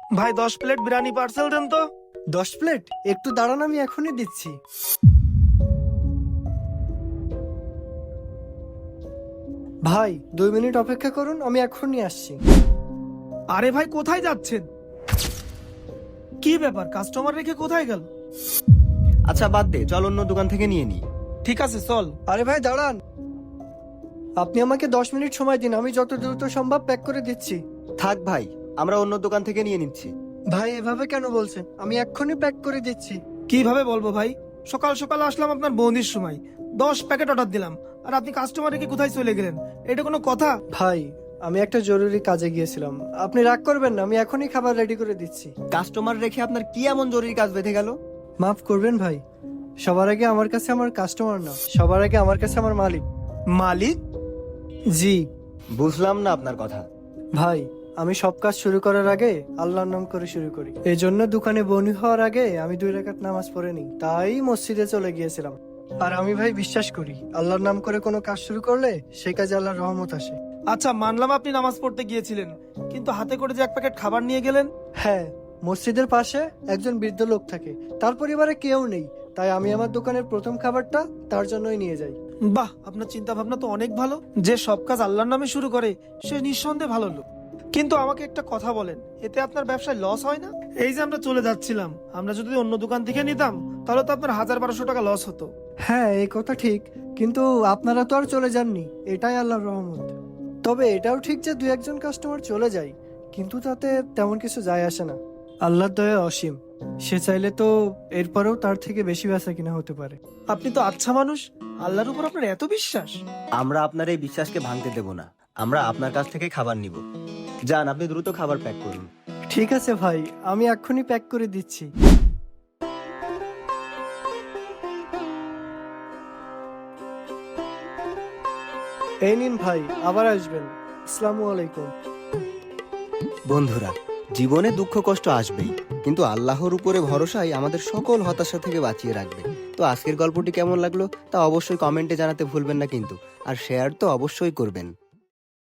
ভাই 10 plate biryani parcel দেন তো। 10 plate? একটু দাঁড়ান, আমি এখনই দিচ্ছি। ভাই 2 মিনিট অপেক্ষা করুন, আমি এখনই আসছি। আরে ভাই কোথায় যাচ্ছেন? কি ব্যাপার, কাস্টমার রেখে কোথায় গেল? আচ্ছা বাদ দে, চল অন্য দোকান থেকে নিয়ে নি। ঠিক আছে চল। আরে ভাই দাঁড়ান, আপনি আমাকে 10 মিনিট সময় দিন, আমি যত দ্রুত সম্ভব প্যাক করে দিচ্ছি। থাক ভাই, আমরা অন্য দোকান থেকে নিয়ে নিচ্ছি। ভাই এভাবে কেন বলছেন? আমি এক্ষুনি প্যাক করে দিচ্ছি। কিভাবে বলবো ভাই, সকাল সকাল আসলাম আপনার বৌদির সময়, 10 প্যাকেট অর্ডার দিলাম, আর আপনি কাস্টমার রেখে কোথায় চলে গেলেন? এটা কোনো কথা? ভাই আমি একটা জরুরি কাজে গিয়েছিলাম, আপনি রাগ করবেন না, আমি এখনই খাবার রেডি করে দিচ্ছি। কাস্টমার রেখে আপনার কি এমন জরুরি কাজ বেঁধে গেল? মাফ করবেন ভাই, সবার আগে আমার কাছে আমার কাস্টমার না, সবার আগে আমার কাছে আমার মালিক। মালিক? জি বুঝলাম না আপনার কথা। ভাই, আমি সব কাজ শুরু করার আগে আল্লাহর নাম করে শুরু করি। এই জন্য দোকানে বনি হওয়ার আগে আমি 2 রাকাত নামাজ পড়ে নিই, তাই মসজিদে চলে গিয়েছিলাম। আর আমি ভাই বিশ্বাস করি, আল্লাহর নাম করে কোনো কাজ শুরু করলে সেই কাজে আল্লাহর রহমত আসে। আচ্ছা মানলাম আপনি নামাজ পড়তে গিয়েছিলেন, কিন্তু হাতে করে যে 1 প্যাকেট খাবার নিয়ে গেলেন। হ্যাঁ, মসজিদের পাশে একজন বৃদ্ধ লোক থাকে, তার পরিবারে কেউ নেই, তাই আমি আমার দোকানের প্রথম খাবারটা তার জন্যই নিয়ে যাই। বাহ, আপনার চিন্তা ভাবনা তো অনেক ভালো। যে সব কাজ আল্লাহর নামে শুরু করে সে নিঃসন্দেহে ভালো লোক। কিন্তু আমাকে একটা কথা বলেন, এতে আপনার ব্যবসায় লস হয় না? এই যে আমরা চলে যাচ্ছিলাম, আমরা যদি অন্য দোকান থেকে নিতাম তাহলে তো আপনার 1000-1200 টাকা লস হতো। হ্যাঁ এই কথা ঠিক, কিন্তু আপনারা তো আর চলে যাননি, এটাই আল্লাহর রহমত। তবে এটাও ঠিক যে 2-1 জন কাস্টমার চলে যায়, কিন্তু তাতে তেমন কিছু যায় আসে না। আল্লাহর দয়া অসীম, সে চাইলে তো এরপরেও তার থেকে বেশি বেচা কিনা হতে পারে। আপনি তো আচ্ছা মানুষ, আল্লাহর উপর আপনার এত বিশ্বাস। আমরা আপনার এই বিশ্বাসকে ভাঙতে দেব না, আমরা আপনার কাছ থেকে খাবার নিব। যান, আপনি দ্রুত খাবার প্যাক করুন। ঠিক আছে ভাই, আমি এক্ষুনি প্যাক করে দিচ্ছি। এই নিন ভাই, আবার আসবেন। আসসালামু আলাইকুম। বন্ধুরা, জীবনে দুঃখ কষ্ট আসবেই, কিন্তু আল্লাহর উপরে ভরসাই আমাদের সকল হতাশা থেকে বাঁচিয়ে রাখবে। তো আজকের গল্পটি কেমন লাগলো তা অবশ্যই কমেন্টে জানাতে ভুলবেন না কিন্তু, আর শেয়ার তো অবশ্যই করবেন।